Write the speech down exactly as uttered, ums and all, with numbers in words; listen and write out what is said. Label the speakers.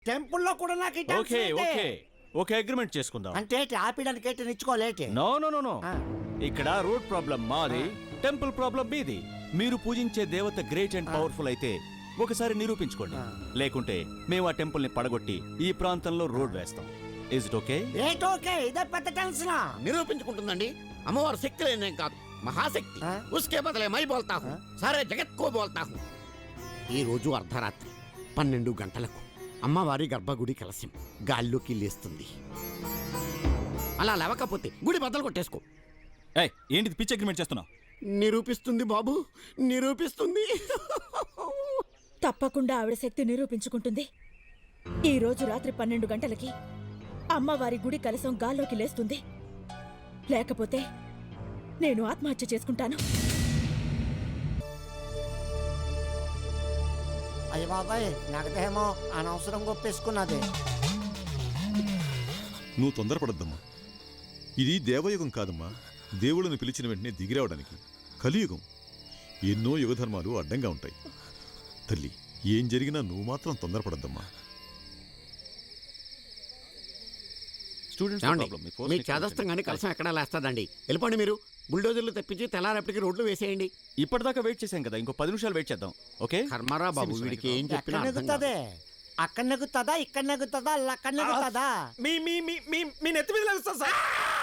Speaker 1: టెంపుల్లో కూడా నాకు ఈ టెన్షన్
Speaker 2: ఓకే
Speaker 1: ఏంటి?
Speaker 2: ఓకే ఓకే అగ్రిమెంట్ చేసుకుందాం.
Speaker 1: అంటే ఏంటి? ఆపడానికి ఏంటి? నిచ్చుకోలేటి?
Speaker 2: నో నో నో నో
Speaker 1: ఆ.
Speaker 2: ఇక్కడ రోడ్ ప్రాబ్లం మాది, టెంపుల్ ప్రాబ్లం మీది. మీరు పూజించే దేవత గ్రేట్ అండ్ పవర్ఫుల్ అయితే ఒకసారి నిరూపించుకోండి, లేకుంటే మేము ఆ టెంపుల్ ని పడగొట్టి ఈ ప్రాంతంలో రోడ్ వేస్తాం. Is it okay?
Speaker 1: ఏంటి ఓకే? ఇదే పెద్ద టెన్షన్.
Speaker 3: నిరూపించుకుంటుందండి. అమ్మవారు శక్తి లేనేం కాదు, మహాశక్తి.
Speaker 1: ఆ?
Speaker 3: ఉస్కే బదలే మై బోల్తా హూ, సారే జగత్ కో బోల్తా హూ. ఈ రోజు అర్ధరాత్రి పన్నెండు గంటలకు అమ్మవారి గర్భగుడి కలశం గాల్లోకి లేస్తుంది. అలా లేవకపోతే గుడి బద్దలు కొట్టేసుకో.
Speaker 2: ఏయ్, ఏంటిది పిచ్ అగ్రిమెంట్ చేస్తున్నావు?
Speaker 3: నిరూపిస్తుంది బాబు, నిరూపిస్తుంది.
Speaker 4: తప్పకుండా ఆవిడ శక్తి నిరూపించుకుంటుంది. ఈ రోజు రాత్రి పన్నెండు గంటలకి అమ్మవారి గుడి కలసం గాల్లోకి లేస్తుంది. లేకపోతే నేను ఆత్మహత్య చేసుకుంటాను.
Speaker 1: అయ్య బాబాయ్, నాకదేమో అనవసరం గొప్పేసుకున్నది.
Speaker 5: నువ్వు తొందరపడద్దమ్మా. ఇది దేవయుగం కాదమ్మా, దేవుళ్ళను పిలిచిన వెంటనే దిగిరావడానికి. కలియుగం. ఎన్నో యుగధర్మాలు అడ్డంగా ఉంటాయి. తల్లి, ఏం జరిగినా నువ్వు మాత్రం తొందరపడద్దమ్మా.
Speaker 3: మీ చేదస్తంగానే కలసం ఎక్కడా లేస్తాదండి. వెళ్ళిపోండి మీరు. బుల్డోజర్లు తెప్పించి తెల్లారేపటికి రోడ్లు వేసేయండి.
Speaker 2: ఇప్పటిదాకా వెయిట్ చేశాం కదా, ఇంకో పది నిమిషాలు వెయిట్ చేద్దాం. ఓకే?
Speaker 3: కర్మరా బాబు, వీడికి ఏం
Speaker 1: ఎక్కడ
Speaker 3: చెప్పినా అర్థం కాదు.
Speaker 1: నెగ్గుతుంది? అక్కడ నెగ్గుతుందా, ఇక్కడ నెగ్గుతుందా, అక్కడ నెగ్గుతుందా?
Speaker 2: మీ మీ మీ మీ నెత్తి మీద లేస్తా సార్.